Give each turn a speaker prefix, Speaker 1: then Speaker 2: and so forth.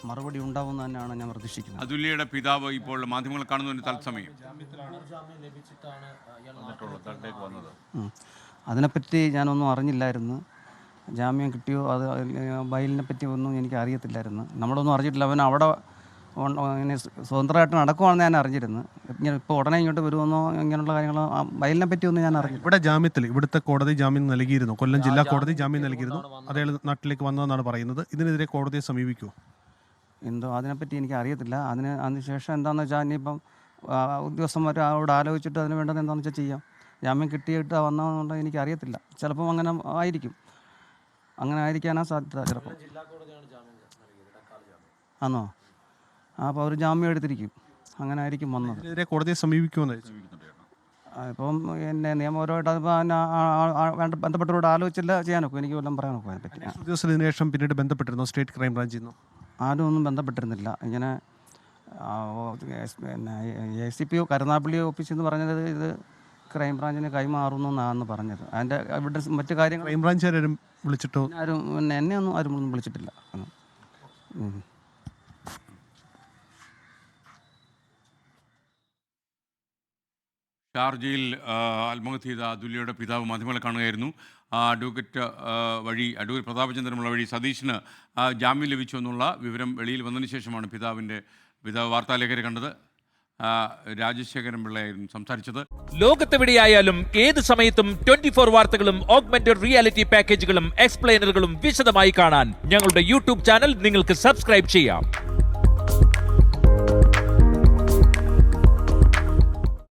Speaker 1: മറുപടി ഉണ്ടാവുമെന്ന് തന്നെയാണ് ഞാൻ പ്രതീക്ഷിക്കുന്നത്.
Speaker 2: അതുല്യയുടെ പിതാവ് ഇപ്പോൾ മാധ്യമങ്ങൾ കാണുന്നതിന് തത്സമയം
Speaker 1: അതിനെപ്പറ്റി ഞാനൊന്നും അറിഞ്ഞില്ലായിരുന്നു. ജാമ്യം കിട്ടിയോ അത് ബൈലിനെ പറ്റി ഒന്നും എനിക്ക് അറിയത്തില്ലായിരുന്നു. നമ്മളൊന്നും അറിഞ്ഞിട്ടില്ല. അവൻ അവിടെ ഇങ്ങനെ സ്വതന്ത്രമായിട്ട് നടക്കുവാണെന്ന് ഞാൻ അറിഞ്ഞിരുന്നു. ഇങ്ങനെ ഇപ്പോൾ ഉടനെ ഇങ്ങോട്ട് വരുമെന്നോ ഇങ്ങനെയുള്ള കാര്യങ്ങൾ ബൈലിനെ പറ്റി ഒന്നും ഞാൻ അറിഞ്ഞില്ല.
Speaker 3: ഇവിടെ ജാമ്യത്തിൽ ഇവിടുത്തെ കോടതി ജാമ്യം നൽകിയിരുന്നു, കൊല്ലം ജില്ലാ കോടതി ജാമ്യം നൽകിയിരുന്നു. അതേ നാട്ടിലേക്ക് വന്നതെന്നാണ് പറയുന്നത്. ഇതിനെതിരെ കോടതിയെ സമീപിക്കുമോ?
Speaker 1: എന്തോ അതിനെപ്പറ്റി എനിക്ക് അറിയത്തില്ല. അതിനുശേഷം എന്താണെന്ന് വെച്ചാൽ ഇനിയിപ്പം ഉദ്യോഗസ്ഥന്മാർ അവിടെ ആലോചിച്ചിട്ട് അതിന് വേണ്ടത് എന്താണെന്ന് വെച്ചാൽ ചെയ്യാം. ജാമ്യം കിട്ടിയിട്ട് വന്നതെന്നുണ്ടെങ്കിൽ എനിക്ക് അറിയത്തില്ല. ചിലപ്പം അങ്ങനെ ആയിരിക്കും, അങ്ങനെ ആയിരിക്കാനാണ് സാധ്യത. ചിലപ്പോൾ ആണോ? അപ്പോൾ അവർ ജാമ്യം എടുത്തിരിക്കും, അങ്ങനെ ആയിരിക്കും വന്നത്.
Speaker 3: ഇതിനെതിരെ കോടതിയെ സമീപിക്കുമെന്ന്
Speaker 1: ഇപ്പം എന്നെ നിയമപരമായിട്ട് അത് ബന്ധപ്പെട്ടവരോട് ആലോചിച്ചില്ല ചെയ്യാനൊക്കെ എനിക്ക് വല്ലതും പറയാനൊക്കെ അതിനെപ്പറ്റി.
Speaker 3: ഉദ്യോഗസ്ഥർ ഇതിനുശേഷം പിന്നീട് ബന്ധപ്പെട്ടിരുന്നു സ്റ്റേറ്റ് ക്രൈം ബ്രാഞ്ചിൽ നിന്ന്?
Speaker 1: ആരും ഒന്നും ബന്ധപ്പെട്ടിരുന്നില്ല. ഇങ്ങനെ പിന്നെ ACP കരുനാഗപ്പള്ളി ഓഫീസിൽ നിന്ന് പറഞ്ഞത് ഇത് ക്രൈംബ്രാഞ്ചിന് കൈമാറുന്നു എന്നാണ് പറഞ്ഞത്. അതിൻ്റെ ഇവിടെ മറ്റു കാര്യങ്ങൾ
Speaker 3: ക്രൈംബ്രാഞ്ചുകാരും വിളിച്ചിട്ടോ?
Speaker 1: ആരും എന്നെ ഒന്നും ആരും വിളിച്ചിട്ടില്ല.
Speaker 2: ഷാർജയിൽ ആത്മഹത്യ ചെയ്ത അതുല്യയുടെ പിതാവ് മാധ്യമങ്ങളെ കാണുകയായിരുന്നു. അഡ്വക്കേറ്റ് പ്രതാപചന്ദ്രമുള്ള വഴി സതീഷിന് ജാമ്യം ലഭിച്ചു എന്നുള്ള വിവരം വെളിയിൽ വന്നതിന് ശേഷമാണ് പിതാവ് വാർത്താലേഖകരെ കണ്ടത്. രാജശേഖരൻ പിള്ളയായിരുന്നു സംസാരിച്ചത്.
Speaker 4: ലോകത്തെവിടെയായാലും ഏത് സമയത്തും 24 വാർത്തകളും ഓഗ്മെന്റഡ് റിയാലിറ്റി പാക്കേജുകളും എക്സ്പ്ലെയിനറുകളും വിശദമായി കാണാൻ ഞങ്ങളുടെ യൂട്യൂബ് ചാനൽ നിങ്ങൾക്ക് സബ്സ്ക്രൈബ് ചെയ്യാം.